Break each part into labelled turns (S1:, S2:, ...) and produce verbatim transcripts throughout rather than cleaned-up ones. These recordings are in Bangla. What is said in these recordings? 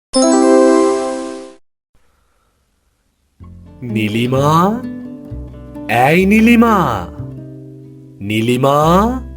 S1: নীলিমা, এই নীলিমা, নীলিমা।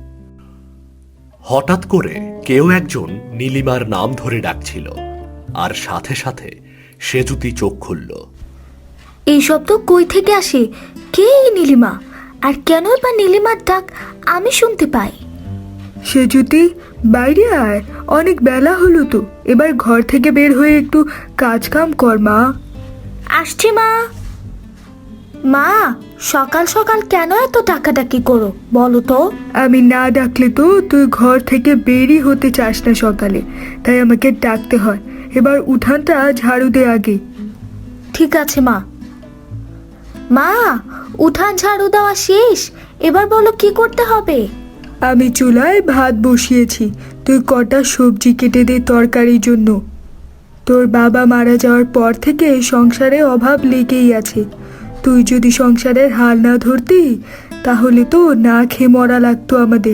S1: হঠাৎ করে কেউ একজন নীলিমার নাম ধরে ডাকছিল, আর সাথে সাথে সেজুতি চোখ খুলল।
S2: এই শব্দ কই থেকে আসে? কে এই নীলিমা? আর কেনই বা নীলিমার ডাক আমি শুনতে পাই?
S3: সেজুতি, বাইরে আয়, অনেক বেলা হলো তো। এবার ঘর থেকে বের হয়ে একটু কাজ কাম কর মা।
S2: আসছি মা। মা, সকাল সকাল কেন এত ডাকাডাকি করো বলো তো?
S3: আমি না ডাকলে তো তুই ঘর থেকে বেরই হতে চাস না সকালে, তাই আমাকে ডাকতে হয়। এবার উঠানটা ঝাড়ু দে আগে।
S2: ঠিক আছে মা। মা, উঠান ঝাড়ু দেওয়া শেষ, এবার বলো কি করতে হবে?
S3: আমি চুলায় ভাত বসিয়েছি, তুই কটা সবজি কেটে দে তরকারির জন্য। তোর বাবা মারা যাওয়ার পর থেকে সংসারে অভাব লেগেই আছে। তুই যদি সংসারের হাল না ধরতি তাহলে তো না খেয়ে মরা লাগতো আমাদের।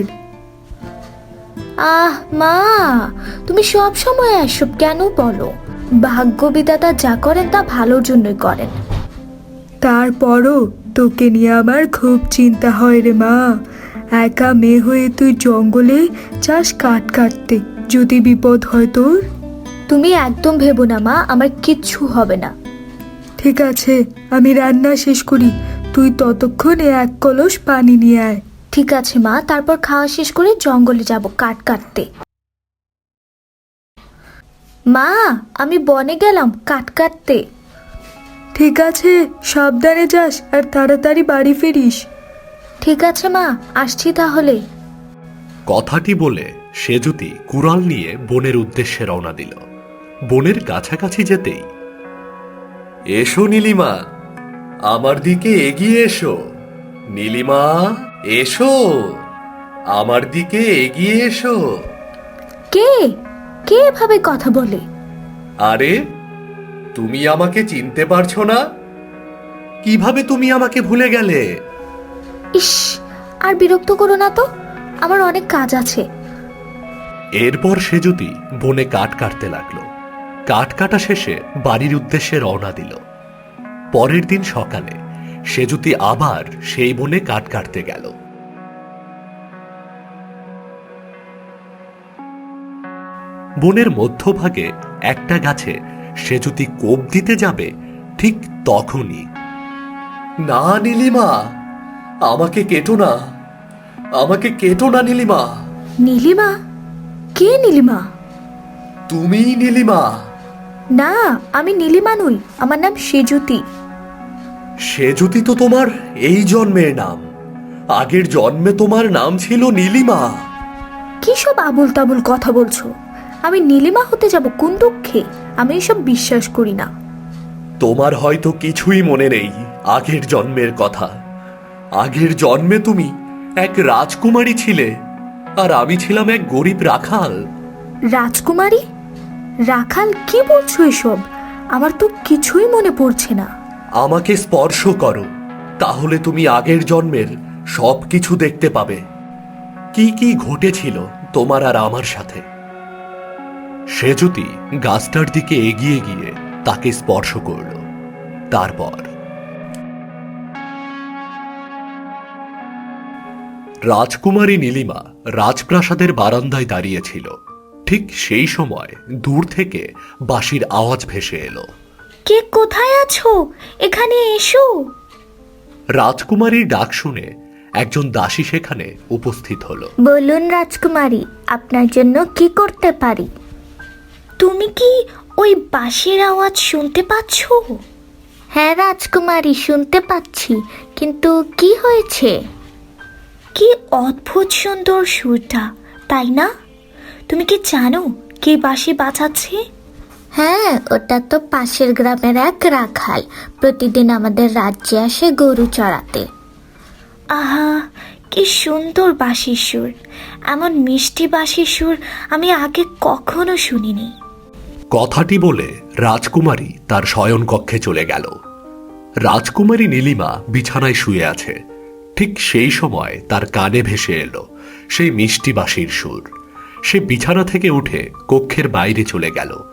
S2: আহ মা, তুমি সব সময় এসব কেন বলো? ভাগ্য বিধাতা যা করেন তা ভালোর জন্যই করেন।
S3: তারপরও তোকে নিয়ে আমার খুব চিন্তা হয় রে মা। একা মেয়ে হয়ে তুই জঙ্গলে চাস কাঠ কাটতে, যদি বিপদ হয় তোর।
S2: তুমি একদম ভেবো না মা, আমার কিচ্ছু হবে না।
S3: ঠিক আছে, আমি রান্না শেষ করি, তুই ততক্ষণে এক কলস পানি নিয়ে আয়।
S2: ঠিক আছে মা, তারপর খাওয়া শেষ করে জঙ্গলে যাব কাঠ কাটতে। মা, আমি বনে গেলাম কাঠ কাটতে।
S3: ঠিক আছে, সাবধানে যাস আর তাড়াতাড়ি বাড়ি ফিরিস।
S2: ঠিক আছে মা, আসছি তাহলে।
S1: কথাটি বলে সেজুতি কুড়াল নিয়ে বনের উদ্দেশ্যে রওনা দিল। বনের কাছাকাছি যেতেই, এসো নীলিমা, আমার দিকে এগিয়ে এসো। নীলিমা, এসো, আমার দিকে এগিয়ে এসো।
S2: কে কে এভাবে কথা বলে?
S1: আরে, তুমি আমাকে চিনতে পারছো না? কিভাবে তুমি আমাকে ভুলে গেলে?
S2: ইস, আর বিরক্ত করো না তো, আমার অনেক কাজ আছে।
S1: এরপর সেজুতি বনে কাঠ কাটতে লাগলো। কাঠ কাটা শেষে বাড়ির উদ্দেশ্যে রওনা দিল। পরের দিন সকালে সেজুতি আবার সেই বনে কাঠ কাটতে গেল। বনের মধ্যভাগে একটা গাছে সেজুতি কোপ দিতে যাবে, ঠিক তখনই, না নীলিমা, আমাকে কেটো না, আমাকে কেটো না নীলিমা।
S2: নীলিমা? কে নীলিমা?
S1: তুমি নীলিমা?
S2: না, আমি নীলিমা নই, আমার নাম সেজুতি।
S1: সেজুতি তো তোমার এই জন্মের নাম, আগের জন্মে তোমার নাম ছিল নীলিমা।
S2: কি সব আবুল তাবুল কথা বলছো? আমি নীলিমা হতে যাব কোন দুঃখে? আমি এসব বিশ্বাস করি না।
S1: তোমার হয়তো কিছুই মনে নেই আগের জন্মের কথা। আগের জন্মে তুমি এক রাজকুমারী ছিলে, আর আমি ছিলাম এক গরিব রাখাল।
S2: রাজকুমারী? রাখাল? কি বলছো এসব? আমার তো কিছুই মনে পড়ছে না।
S1: আমাকে স্পর্শ করো, তাহলে তুমি আগের জন্মের সব কিছু দেখতে পাবে, কি কি ঘটেছিল তোমার আর আমার সাথে। সেজুতি গাছটার দিকে এগিয়ে গিয়ে তাকে স্পর্শ করল। তারপর রাজকুমারী নীলিমা রাজপ্রাসাদের বারান্দায় দাঁড়িয়েছিল। ঠিক সেই সময় দূর থেকে বাঁশির আওয়াজ ভেসে এলো।
S2: কে কোথায় আছো? এখানে এসো।
S1: রাজকুমারীর ডাক শুনে একজন দাসী সেখানে উপস্থিত হলো।
S2: বলুন রাজকুমারী, আপনার জন্য কি করতে পারি? তুমি কি ওই বাঁশির আওয়াজ শুনতে পাচ্ছ? হ্যাঁ রাজকুমারী, শুনতে পাচ্ছি, কিন্তু কি হয়েছে? কি অদ্ভুত সুন্দর সুরটা, তাই না? তুমি কি জানো কে বাঁশি বাজাচ্ছে? হ্যাঁ, ওটা তো পাশের গ্রামের এক রাখাল, প্রতিদিন আমাদের রাজ্যে আসে গরু চড়াতে। আহা, কি সুন্দর বাঁশির সুর! এমন মিষ্টি বাঁশির সুর আমি আগে কখনো শুনিনি।
S1: কথাটি বলে রাজকুমারী তার শয়ন কক্ষে চলে গেল। রাজকুমারী নীলিমা বিছানায় শুয়ে আছে। ঠিক সেই সময় তার কানে ভেসে এলো সেই মিষ্টি বাঁশির সুর। সে বিছানা থেকে উঠে কক্ষের বাইরে চলে গেল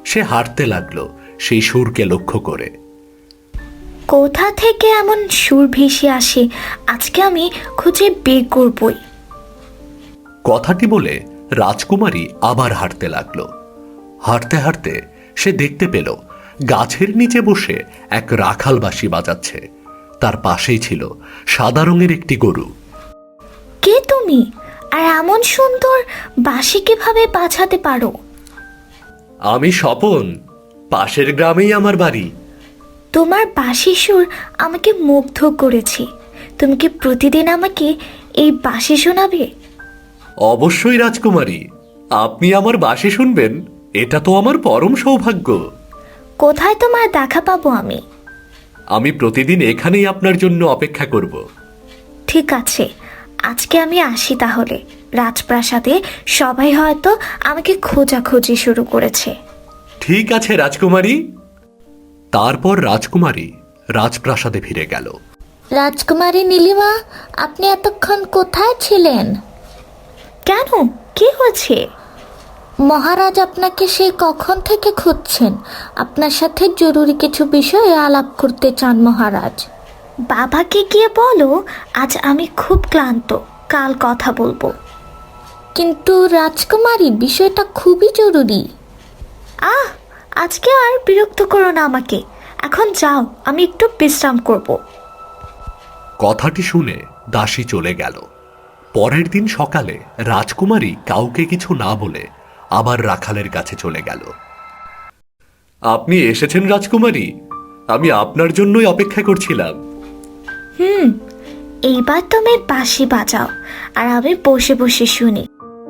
S1: সে হাঁটতে লাগলো সেই সুরকে লক্ষ্য করে।
S2: কোথা থেকে এমন সুর ভেসে আসে আজকে আমি খুঁজে বের করবই।
S1: কথাটি বলে রাজকুমারী আবার হাঁটতে লাগলো। হাঁটতে হাঁটতে সে দেখতে পেল গাছের নিচে বসে এক রাখাল বাঁশি বাজাচ্ছে। তার পাশেই ছিল সাদা রঙের একটি গরু।
S2: কে তুমি, আর এমন সুন্দর বাঁশি কিভাবে বাজাতে পারো?
S1: আমি স্বপন, পাশের গ্রামেই আমার বাড়ি।
S2: তোমার বাঁশির সুর আমাকে মুগ্ধ করেছে। তুমি কি প্রতিদিন আমাকে এই বাঁশি শোনাবে?
S1: অবশ্যই রাজকুমারী, আপনি আমার বাঁশি শুনবেন, এটা তো আমার পরম সৌভাগ্য।
S2: কোথায় তোমার দেখা পাবো আমি?
S1: আমি প্রতিদিন এখানেই আপনার জন্য অপেক্ষা করব।
S2: ঠিক আছে, আজকে আমি আসি তাহলে। রাজপ্রাসাদে সবাই হয়তো আমাকে খোঁজাখুঁজি শুরু করেছে।
S1: ঠিক আছে রাজকুমারী। তারপর রাজকুমারী রাজপ্রাসাদে ফিরে গেল।
S2: রাজকুমারী নীলিমা, আপনি এতক্ষণ কোথায় ছিলেন? কেন, কি হয়েছে? মহারাজ আপনাকে সেই কখন থেকে খুঁজছেন। আপনার সাথে জরুরি কিছু বিষয়ে আলাপ করতে চান মহারাজ। বাবাকে গিয়ে বলো আজ আমি খুব ক্লান্ত, কাল কথা বলবো। কিন্তু রাজকুমারী, বিষয়টা খুবই জরুরি। আহ, আজকে আর বিরক্ত করো না আমাকে। এখন যাও, আমি একটু বিশ্রাম করব।
S1: কথাটি শুনে দাসী চলে গেল। পরের দিন সকালে রাজকুমারী কাউকে কিছু না বলে আবার রাখালের কাছে চলে গেল। আপনি এসেছেন রাজকুমারী, আমি আপনার জন্যই অপেক্ষা করছিলাম।
S2: হুম, এইবার তুমি বাঁশি বাজাও আর আমি বসে বসে শুনি।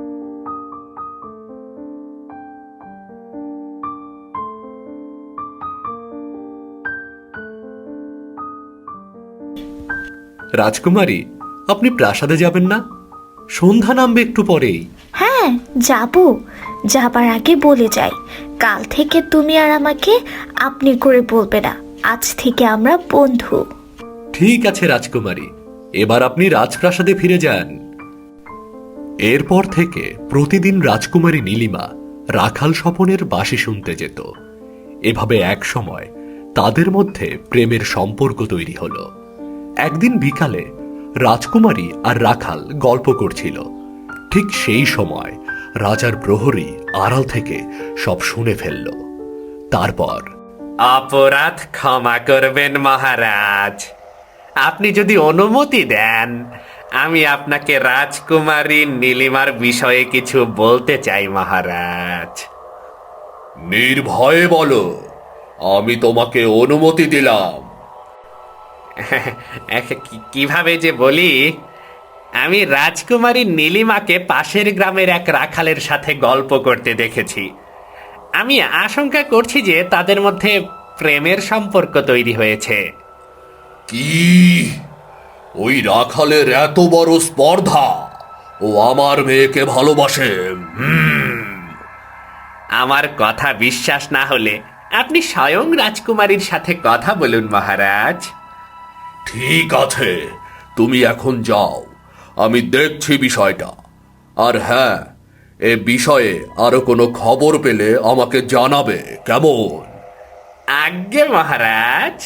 S1: রাজকুমারী, আপনি প্রাসাদে যাবেন না? সন্ধ্যা নামবে একটু পরেই।
S2: হ্যাঁ, যাব। যাবার আগে বলে যাই, কাল থেকে তুমি আর আমাকে আপনি করে বলবে না। আজ থেকে আমরা বন্ধু।
S1: ঠিক আছে রাজকুমারী, এবার আপনি রাজপ্রাসাদে ফিরে যান। এরপর থেকে প্রতিদিন রাজকুমারী নীলিমা রাখাল স্বপনের বাঁশি শুনতে যেত। এভাবে এক সময় তাদের মধ্যে প্রেমের সম্পর্ক তৈরি হলো। একদিন বিকালে রাজকুমারী আর রাখাল গল্প করছিল। ঠিক সেই সময় রাজার প্রহরী আড়াল থেকে সব শুনে ফেলল। তারপর,
S4: অপরাধ ক্ষমা করবেন মহারাজ, আপনি যদি অনুমতি দেন আমি আপনাকে রাজকুমারী নীলিমার বিষয়ে কিছু বলতে চাই মহারাজ।
S1: নির্ভয়ে বলো, আমি তোমাকে অনুমতি দিলাম।
S4: কি- কিভাবে যে বলি, আমি রাজকুমারী নীলিমাকে পাশের গ্রামের এক রাখালের সাথে গল্প করতে দেখেছি। আমি আশঙ্কা করছি যে তাদের মধ্যে প্রেমের সম্পর্ক তৈরি হয়েছে।
S1: কি? ওই রাখালের এত বড় স্পর্ধা, ও আমার মেয়েকে ভালোবাসে?
S4: আমার কথা বিশ্বাস না হলে আপনি স্বয়ং রাজকুমারীর সাথে কথা বলুন মহারাজ।
S1: ঠিক আছে, তুমি এখন যাও, আমি দেখছি বিষয়টা। আর হ্যাঁ, এ বিষয়ে আরো কোনো খবর পেলে আমাকে জানাবে, কেমন?
S4: আজ্ঞে মহারাজ।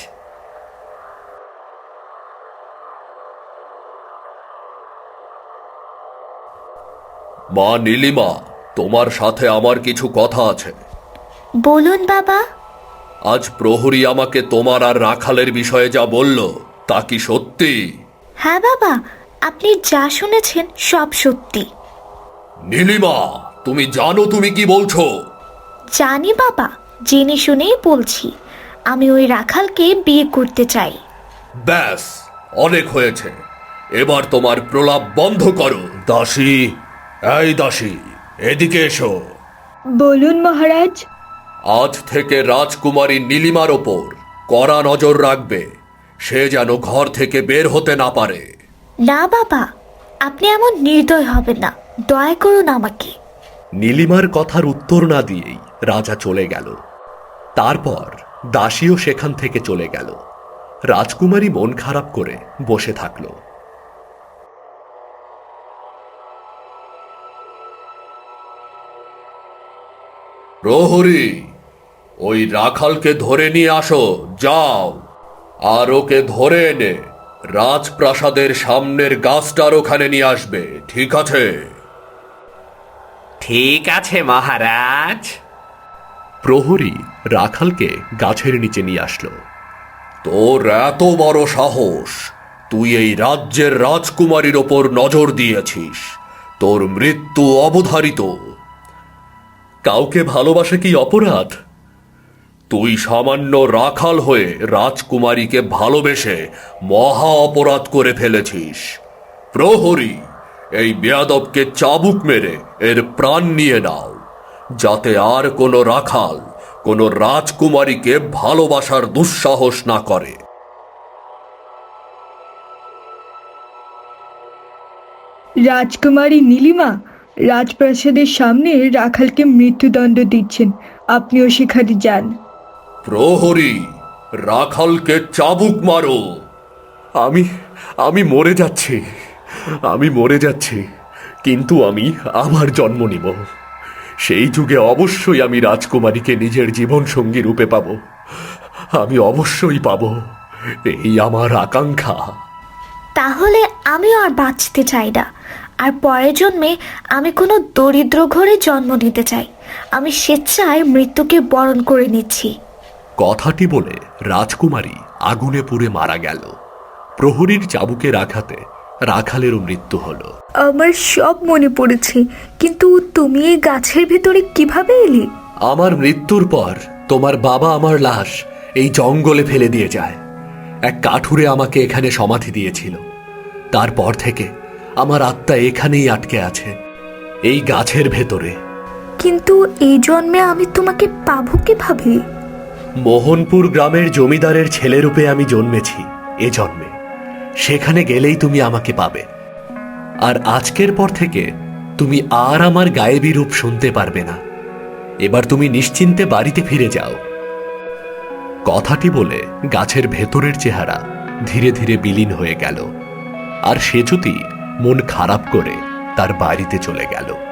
S1: মা নীলিমা, তোমার সাথে আমার কিছু কথা আছে।
S2: বলুন বাবা।
S1: আজ প্রহরী আমাকে তোমার আর রাখালের বিষয়ে যা বলল, তা কি সত্যি?
S2: হ্যাঁ বাবা, আপনি যা শুনেছেন সব সত্যি।
S1: নীলিমা, তুমি জানো তুমি কি বলছো?
S2: জানি বাবা, জেনে শুনেই বলছি। আমি ওই রাখালকে বিয়ে করতে চাই।
S1: ব্যাস, অনেক হয়েছে, এবার তোমার প্রলাপ বন্ধ করো। দাসী, এই দাসী, এদিকে এসো।
S3: বলুন মহারাজ।
S1: আজ থেকে রাজকুমারী নীলিমার ওপর কড়া নজর রাখবে, সে যেন ঘর থেকে বের হতে না পারে।
S2: না বাবা, আপনি এমন নির্দয় হবেন না, দয়া করুন আমাকে।
S1: নীলিমার কথার উত্তর না দিয়েই রাজা চলে গেল। তারপর দাসীও সেখান থেকে চলে গেল। রাজকুমারী মন খারাপ করে বসে থাকল। প্রহরী, ওই রাখালকে ধরে নিয়ে আসো, যাও। আর ওকে ধরে এনে রাজপ্রাসাদের সামনের গাছটার ওখানে নিয়ে আসবে, ঠিক আছে?
S4: ঠিক আছে মহারাজ।
S1: প্রহরী রাখালকে গাছের নিচে নিয়ে আসলো। তোর এত বড় সাহস, তুই এই রাজ্যের রাজকুমারীর ওপর নজর দিয়েছিস, তোর মৃত্যু অবধারিত। কাউকে ভালোবাসা কি অপরাধ? তুই সামান্য রাখাল হয়ে রাজকুমারীকে ভালোবেসে মহা অপরাধ করে ফেলেছিস। প্রহরী, এই বেয়াদবকে চাবুক মেরে এর প্রাণ নিয়ে নাও, যাতে আর কোনো রাখাল কোনো রাজকুমারীকে ভালোবাসার দুঃসাহস না করে।
S3: রাজকুমারী নীলিমা রাজপ্রাসাদের সামনে রাখালকে মৃত্যুদণ্ড দিচ্ছেন, আপনিও সেখানে যান।
S1: প্রহরী, রাখালকে চাবুক মারো। আমি আমি মরে যাচ্ছি, আমি মরে যাচ্ছি, কিন্তু আমি আবার জন্ম নিব। সেই যুগে অবশ্যই আমি রাজকুমারীকে নিজের জীবন সঙ্গী রূপে পাব, আমি অবশ্যই পাব, এই আমার আকাঙ্ক্ষা।
S2: তাহলে আমিও আর বাঁচতে চাই না, আর পরের জন্মে আমি কোনো দরিদ্র ঘরে জন্ম নিতে চাই। আমি স্বেচ্ছায় মৃত্যুকে বরণ করে নিচ্ছি।
S1: কথাটি বলে রাজকুমারী আগুনে পুড়ে মারা গেল। প্রহরীর চাবুকের আঘাতে রাখালেরও মৃত্যু হলো।
S3: আমার সব মনে পড়েছে, কিন্তু তুমি এই গাছের ভেতরে কিভাবে এলে?
S1: আমার মৃত্যুর পর তোমার বাবা আমার লাশ এই জঙ্গলে ফেলে দিয়ে যায়। এক কাঠুরে আমাকে এখানে সমাধি দিয়েছিল। তারপর থেকে আমার আত্মা এখানেই আটকে আছে, এই গাছের ভেতরে।
S2: কিন্তু এই জন্মে আমি তোমাকে পাবো কিভাবে?
S1: মোহনপুর গ্রামের জমিদারের ছেলেরূপে আমি জন্মেছি এ জন্মে, সেখানে গেলেই তুমি আমাকে পাবে। আর আজকের পর থেকে তুমি আর আমার গায়েবী রূপ শুনতে পারবে না। এবার তুমি নিশ্চিন্তে বাড়িতে ফিরে যাও। কথাটি বলে গাছের ভেতরের চেহারা ধীরে ধীরে বিলীন হয়ে গেল, আর সেচুতি মন খারাপ করে তার বাড়িতে চলে গেল।